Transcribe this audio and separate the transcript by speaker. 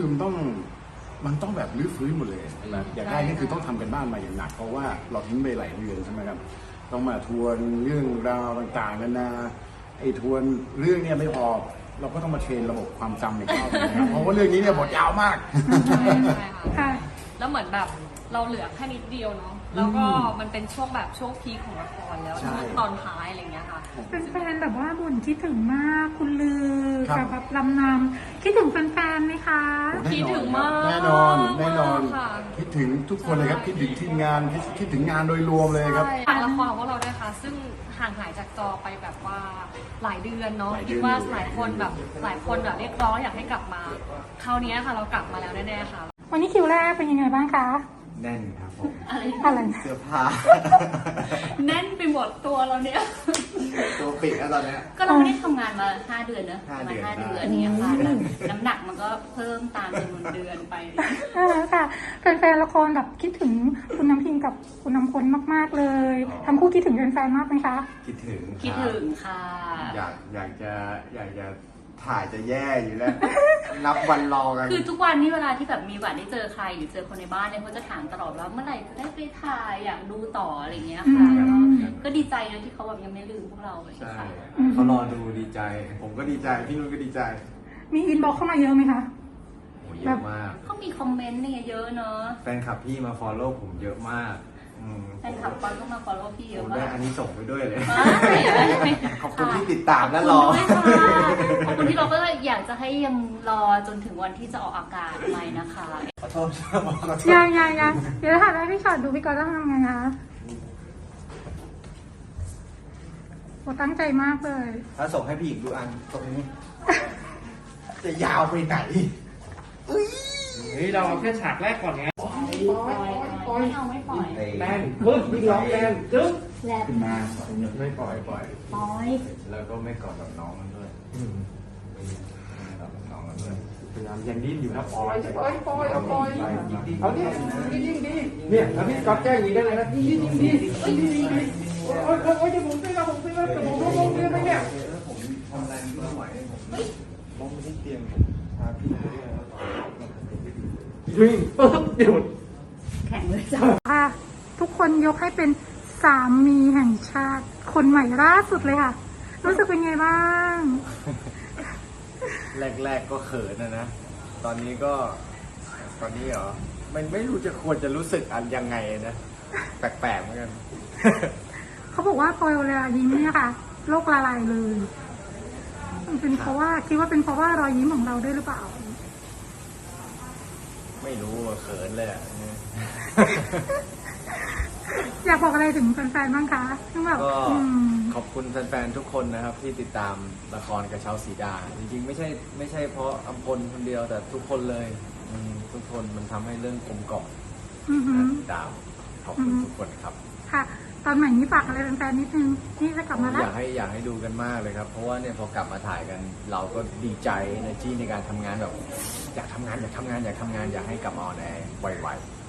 Speaker 1: มันต้องแบบรื้อฟื้นหมดเลยนะอยากได้นี่คือต้องทำกันบ้านมาอย่างหนักเพราะว่าเราทิ้งไปหลายเดือนใช่ไหมครับต้องมาทวนเรื่องราวต่างๆนานาไอ้ทวนเรื่องเนี่ยไม่พอเราก็ต้องมาเทรนระบบความจำในข้าวนะครับเพราะว่าเรื่องนี้เนี่ยบทยาวมาก
Speaker 2: ใช่ค่ะแล้วเหมือนแบบเราเหลือแค่นิดเดียวเนาะแล้วก็มันเป็นช่วงแบบช่วงพีคของละครแล้วตอนท้ายอะไรเงี้ยค่ะ
Speaker 3: เป็นแฟนแบบว่าบ่นคิดถึงมากคุณลือกับแบบลำนำคิดถึงแฟนๆไหมคะ
Speaker 2: คิดถึงมาก
Speaker 1: แน่นอนคิดถึงทุกคนเลยครับคิดถึงทีมงานคิดถึงงานโดยรวมเลยครับ
Speaker 2: ฝากละครของพวกเราด้วยค่ะซึ่งห่างหายจากจอไปแบบว่าหลายเดือนเนาะคิดว่าหลายคนแบบเรียกร้องอยากให้กลับมาคราวนี้ค่ะเรากลับมาแล้วแน่ๆค่ะ
Speaker 3: วันนี้คิวแรกเป็นยังไงบ้างคะ
Speaker 4: แน่นครับผม
Speaker 3: อะไร
Speaker 4: เสื้อผ้า
Speaker 2: แน่นไปหมดตัวเราเนี่ย
Speaker 4: ตัวปิดแล้วตอนนี้
Speaker 5: ก็เราไม่ได้ทำงานมา5 เดือนเนอะประมาณ5 เดือนเนี่ยค่ะน้ำหนักมันก็เพิ่มตามจำนวนเดือนไป
Speaker 3: ค่ะแฟนๆละครแบบคิดถึงคุณน้ำพิงกับคุณน้ำพลมากๆเลยทั้งคู่คิดถึงแฟนๆมากไหมคะ
Speaker 4: คิดถึง
Speaker 5: ค่ะ
Speaker 4: อยากจะถ่ายจะแย่อยู่แล้วนับวันรอกัน
Speaker 5: คือทุกวันนี้เวลาที่แบบมีวันได้เจอใครหรือเจอคนในบ้านเนี่ยเขาจะถามตลอดว่าเมื่อไหร่จะได้ไปถ่ายอยากดูต่ออะไรเงี้ยค่ะก็ดีใจนะที่เขาแบบยังไม่ลืมพวกเรา
Speaker 4: ใช่เขารอดูดีใจผมก็ดีใจพี่นุ่นก็ดีใจ
Speaker 3: มีอินบ็อกเข้ามาเยอะไหมคะ
Speaker 4: เยอะมาก
Speaker 5: เขามีคอมเมนต์เนี่ยเยอะเนอะ
Speaker 4: แฟนคลับพี่มาฟอลโล่ผมเยอะมาก
Speaker 5: แฟนคลับก็มาฟอลโล่พี่เยอะมาก
Speaker 4: ได้อันนี้ส่งไปด้วยเลยขอบคุณที่ติดตามและรอ
Speaker 5: ขอบคุณที่เราก็อยากจะให้ยังรอจนถึงวันที่จะออกอากาศใหม่นะคะ
Speaker 4: ขอโทษ
Speaker 3: ยังเดี๋ยวถ้าได้พี่ชอตดูพี่ก็ต้องทำไงคะโอ้ตั้งใจมากเลย
Speaker 4: ถ้าส่งให้พี่อีกดูอันตรงนี้จะยาวไปไหน
Speaker 6: เฮ้ยเราเอาแค่ฉากแรกก่อนไง
Speaker 5: ไม่ปล่อย
Speaker 6: แรงปึ๊บวิ่งร้องแรงจึ๊บ
Speaker 4: ขึ้นมาไม่ปล่อย
Speaker 5: แล้ว
Speaker 4: ก็ไม่กอดกับน้องมันด้วยน้องมันด้วย
Speaker 6: พยายามยังดิ้นอยู่นะปล่อยเอาดิยิ่งดีเนี่ยแล้วพี่ก๊อตแก้อย่างนี้ได้เลยนะยิ่งดีโอ้ยจะผมซื้อแล้วแต่ผมลงเรียนไปเนี่ย
Speaker 4: ผมทำอะไรไม่ไหวผมล้มไปที่เตียงพาพี่ไปด้วย
Speaker 6: วิ่งปึ๊บหยุด
Speaker 5: แข็งเลยจ้
Speaker 3: ะทุกคนยกให้เป็นสามีแห่งชาติคนใหม่ล่าสุดเลยค่ะรู้สึกเป็นไงบ้าง
Speaker 4: แรกก็เขินนะตอนนี้เหรอมันไม่รู้จะควรจะรู้สึกอันยังไงนะแปลกๆเหมือนกัน
Speaker 3: เขาบอกว่าพอเวลายิ้มเนี่ยค่ะโลกละลายเลยมันเป็นเพราะว่าคิดว่าเป็นเพราะว่ารอยยิ้มของเราด้วยหรือเปล่า
Speaker 4: ไม่รู้เขินเลย
Speaker 3: อยากบอกอะไรถึงแฟนๆบ้างคะ
Speaker 4: ก็ขอบคุณแฟนๆทุกคนนะครับที่ติดตามละครกระเช้าสีดาจริงๆไม่ใช่เพราะอัมพลคนเดียวแต่ทุกคนเลยทุกคนมันทำให้เรื่องกลมกล่อมติดตามขอบคุณทุกคนครับ
Speaker 3: ค่ะตอนใหม่นี้ฝากอะไรแฟนๆนิดนึงนี่จะกลับมาแล้ว
Speaker 4: อยากให้ดูกันมากเลยครับเพราะว่าเนี่ยพอกลับมาถ่ายกันเราก็ดีใจในการทำงานแบบอยากทำงานอยากให้กลับมาออนแอร์ไวๆ